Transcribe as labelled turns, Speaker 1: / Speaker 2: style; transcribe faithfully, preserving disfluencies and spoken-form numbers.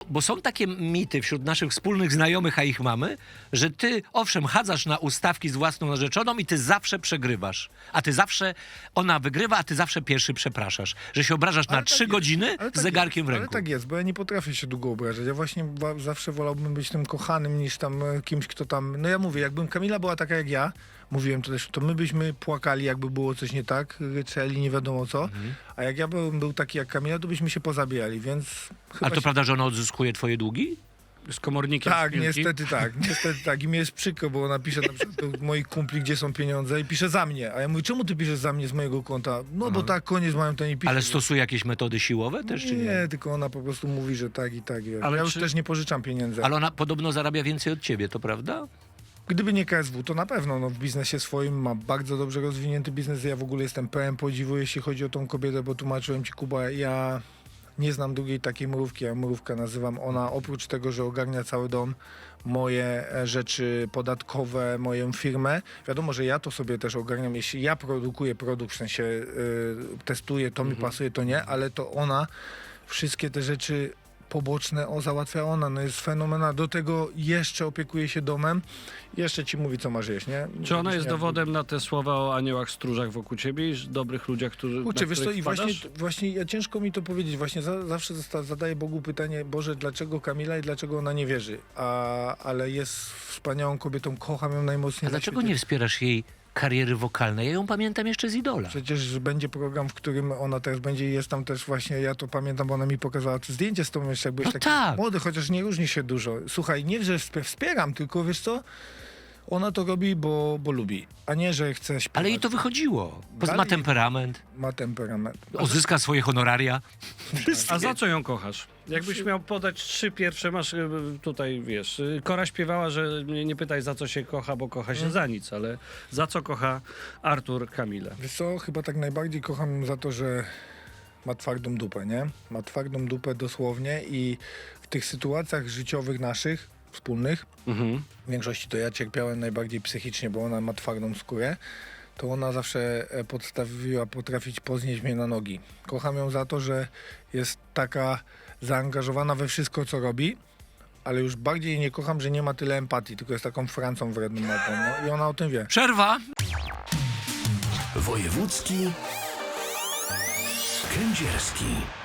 Speaker 1: bo są takie mity wśród naszych wspólnych znajomych, a ich mamy, że ty, owszem, chadzasz na ustawki z własną narzeczoną i ty zawsze przegrywasz. A ty zawsze, ona wygrywa, a ty zawsze pierwszy przepraszasz. Że się obrażasz
Speaker 2: Ale
Speaker 1: na
Speaker 2: tak
Speaker 1: trzy
Speaker 2: jest,
Speaker 1: godziny
Speaker 2: ale
Speaker 1: z
Speaker 2: tak
Speaker 1: zegarkiem
Speaker 2: jest,
Speaker 1: w ręku.
Speaker 2: Ale tak jest, bo ja nie potrafię się długo obrażać. Ja właśnie wa- zawsze wolałbym być tym kochanym niż tam e, kimś, kto tam... No ja mówię, jakbym Kamila była taka jak ja, mówiłem to też, to my byśmy płakali, jakby było coś nie tak, ryczeli, nie wiadomo co.
Speaker 1: Mhm.
Speaker 2: A jak ja bym był taki jak Kamila, to byśmy się pozabijali, więc chyba
Speaker 1: Ale to
Speaker 2: się...
Speaker 1: prawda, że ona odzyskuje twoje długi?
Speaker 3: Z komornikiem
Speaker 2: Tak,
Speaker 3: z piłki.
Speaker 2: niestety tak, niestety tak. I mi jest przykro, bo ona pisze na przykład do moich kumpli, gdzie są pieniądze i pisze za mnie. A ja mówię, czemu ty piszesz za mnie z mojego konta? No bo tak, koniec mają, to nie pisze.
Speaker 1: Ale stosuje jakieś metody siłowe też, czy nie?
Speaker 2: Nie, tylko ona po prostu mówi, że tak i tak.
Speaker 3: Ale
Speaker 2: ja już
Speaker 3: czy-
Speaker 2: też nie pożyczam pieniędzy.
Speaker 1: Ale ona podobno zarabia więcej od ciebie, to prawda?
Speaker 2: Gdyby nie K S W, to na pewno no, w biznesie swoim ma bardzo dobrze rozwinięty biznes. Ja w ogóle jestem pełen podziwu, jeśli chodzi o tą kobietę, bo tłumaczyłem ci, Kuba, ja nie znam drugiej takiej mrówki, ja mrówka nazywam. Ona oprócz tego, że ogarnia cały dom, moje e, rzeczy podatkowe, moją firmę. Wiadomo, że ja to sobie też ogarniam. Jeśli ja produkuję produkt, w sensie y, testuję, to mi pasuje, to nie, ale to ona wszystkie te rzeczy poboczne, o, załatwia ona, no jest fenomenalna. Do tego jeszcze opiekuje się domem, jeszcze ci mówi, co masz jeść, nie?
Speaker 3: Czy ona jest
Speaker 2: Nie-
Speaker 3: dowodem na te słowa o aniołach stróżach wokół ciebie i dobrych ludziach, którzy
Speaker 2: Kurczę,
Speaker 3: na
Speaker 2: wiesz co,
Speaker 3: których
Speaker 2: i właśnie,
Speaker 3: wpadasz?
Speaker 2: właśnie ja ciężko mi to powiedzieć, właśnie za, zawsze zosta- zadaję Bogu pytanie, Boże, dlaczego Kamila i dlaczego ona nie wierzy, a, ale jest wspaniałą kobietą, kocham ją najmocniej
Speaker 1: A
Speaker 2: na
Speaker 1: dlaczego
Speaker 2: świecie.
Speaker 1: nie wspierasz jej kariery wokalnej? Ja ją pamiętam jeszcze z Idola.
Speaker 2: Przecież będzie program, w którym ona też będzie i jest tam też właśnie, ja to pamiętam, bo ona mi pokazała to zdjęcie z tą jeszcze, jak byłeś
Speaker 1: No
Speaker 2: taki
Speaker 1: tak.
Speaker 2: młody, chociaż nie różni się dużo. Słuchaj, nie, że wsp- wspieram, tylko wiesz co, ona to robi, bo, bo lubi, a nie, że chce śpiewać.
Speaker 1: Ale jej to wychodziło. Bo ma
Speaker 2: Dalej-
Speaker 1: temperament,
Speaker 2: Ma temperament.
Speaker 1: odzyska swoje honoraria.
Speaker 3: A za co ją kochasz? Jakbyś miał podać trzy pierwsze, masz y, tutaj, wiesz, y, Kora śpiewała, że mnie nie pytaj za co się kocha, bo kocha się za nic, ale za co kocha Artur Kamilę?
Speaker 2: Wiesz co, chyba tak najbardziej kocham ją za to, że ma twardą dupę, nie? Ma twardą dupę dosłownie i w tych sytuacjach życiowych naszych, wspólnych,
Speaker 3: Mhm.
Speaker 2: w większości to ja cierpiałem najbardziej psychicznie, bo ona ma twardą skórę, to ona zawsze e, podstawiła potrafić poznieść mnie na nogi. Kocham ją za to, że jest taka zaangażowana we wszystko, co robi, ale już bardziej jej nie kocham, że nie ma tyle empatii, tylko jest taką Francą wredną małpą, no i ona o tym wie.
Speaker 1: Przerwa!
Speaker 4: Wojewódzki Kędzierski.